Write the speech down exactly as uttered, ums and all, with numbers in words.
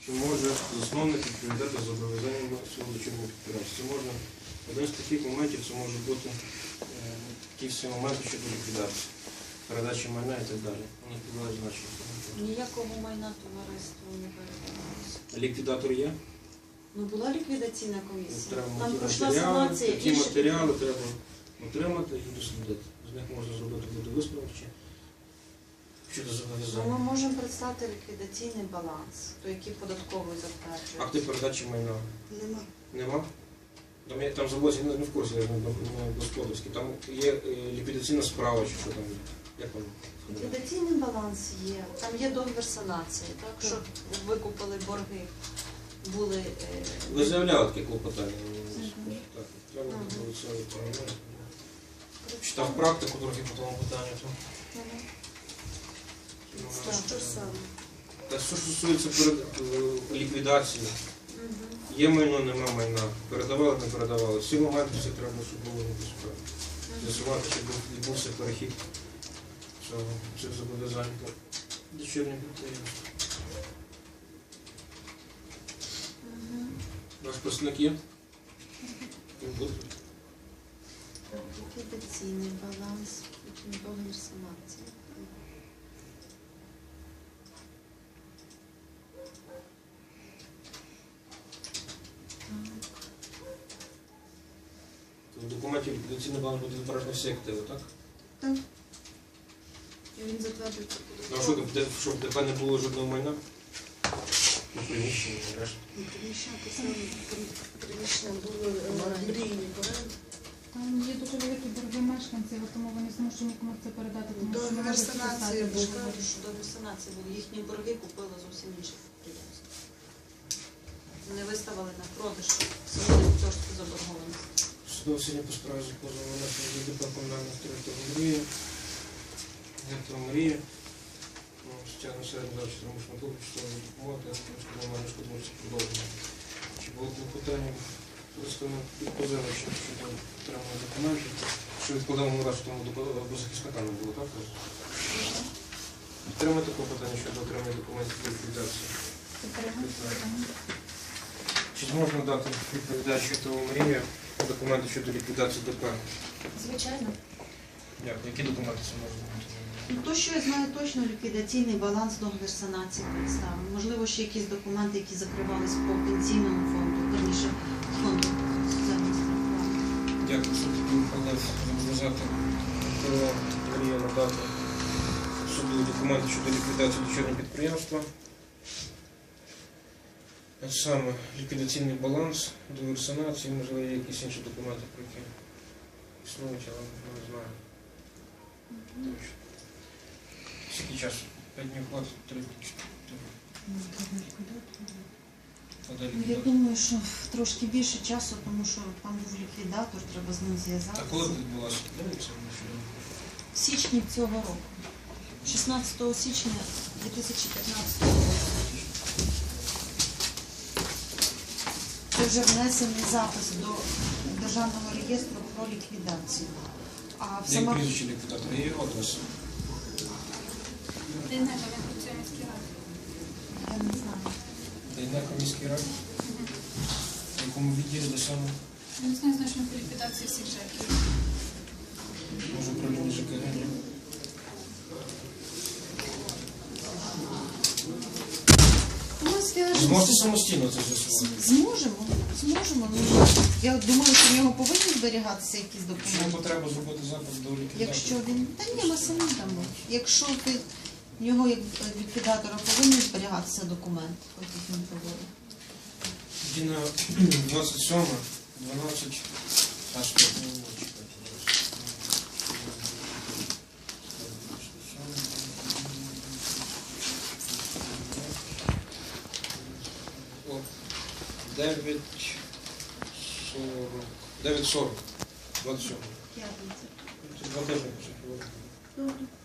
чи може засновник відповідати за зобов'язаннями свого дочірнього підприємства. Це можна, один з таких моментів, це може бути е, ті всі моменти щодо ліквідації, передачі майна і так далі. Вони підважні наші. Ніякого майна товариству не передавалося. Ліквідатор є? Ну, була ліквідаційна комісія. Треба Там ті пройшла матеріали, санація. ті і ще- матеріали треба отримати і дослідити. З них можна зробити буде висновок чи щодо Ну, зобов'язання. ми можемо представити ліквідаційний баланс, то який податковий затверджує. Акти передачі майна Нема. нема? Там, є- там заводять, не в курсі, я не господарський. Там є е, ліквідаційна справа, чи що там є. Як воно? Ліквідаційний баланс є, там є договір санації, так, що викупили борги, були... е, Ви заявляли таке клопотання? Мгм. Так, треба Ага. було це відповідати. Читав практику трохи по тому питанню. то, Мгм. ну, Так, що що саме? Та що стосується перед- е, ліквідації, Мгм. є майно, нема майна, передавали, не передавали. Всі моменти всі треба, щоб було справи. З'ясувати, чи був- відбувся перехід цього, цих зобов'язань до дочірніх підприємств. Мгм. Ваш представник є? Він буде? Ліквідаційний баланс, потім договір санації. В документі ліквідаційний баланс буде відображено всі активи, так? Так. І він затверджується Ну а що, де- щоб в ДП не було жодного майна? Ну, приміщення, решта. Приміщення писали, приміщення були мрійні оренди. Там є дуже великі борги мешканців, тому вони змушені комусь це передати, тому що не Договір можуть санації підписати був, договір. що договір санації був. Їхні борги купили зовсім інші підприємства. Не виставили на продаж, самі цього заборгованості. Судове сьогодні по справі за позовом внесення до ДП комунальних територій Мрія. Соціально середньо далі примушено публічної допомоги, шкодування, шкодування продовження. Чи було клопотання представник позивача щодо отримання документів, що відкладемо на раз тому до захисника не було, так? Підтримати клопотання щодо отримання документів для ліквідації. Чи зможна дати відповідачу того Мрія документи щодо ліквідації ДП? Звичайно. Дякую. Які документи це можна бути? Ну, то, що я знаю точно, ліквідаційний баланс, договір санації представлений. Можливо, ще якісь документи, які закривались по пенсійному фонду, верніше, фонду соціального страхування. Дякую, що таки вкладав розв'язати про Мрія надати суду документи щодо ліквідації дочірнього підприємства. А саме ліквідаційний баланс, договір санації, можливо, є якісь інші документи, про які існують, але не знаю. Точно. Скільки часу? П'ять днів хватить, три, чотири. Ну, я думаю, що трошки більше часу, тому що там був ліквідатор, треба з ним А зв'язатися. коли відбулося? Дивіться, В січні цього року. шістнадцятого січня дві тисячі п'ятнадцятого року. Це вже внесений запис до Державного реєстру про ліквідацію. А в Як сама... прізвище ліквідатора? Є адрес? Дейнека, він працює в міській раді. Я не знаю. Дейнека міській раді? В якому відділі де саме? Я не знаю, знаю, що він по ліквідації всіх жеків. Може управління ЖКГ? Ні? Ми зв'яжемося. Зможете самостійно це з'ясувати? Зможемо, зможемо. Ну, я думаю, що в нього повинні зберігатися якісь Якщо є документи. потреба зробити запит до ліквідатора? Якщо він... Та ні, ми самі дамо. Якщо ти... в нього як ліквідатора повинні зберігатися документи, хоч їх не проводить. Тоді на двадцять сьоме, дванадцять, аж п'ять минут. дев'ять сорок. дев'ять сорок. двадцять сьоме. П'ятниця. Два тижні. Добре.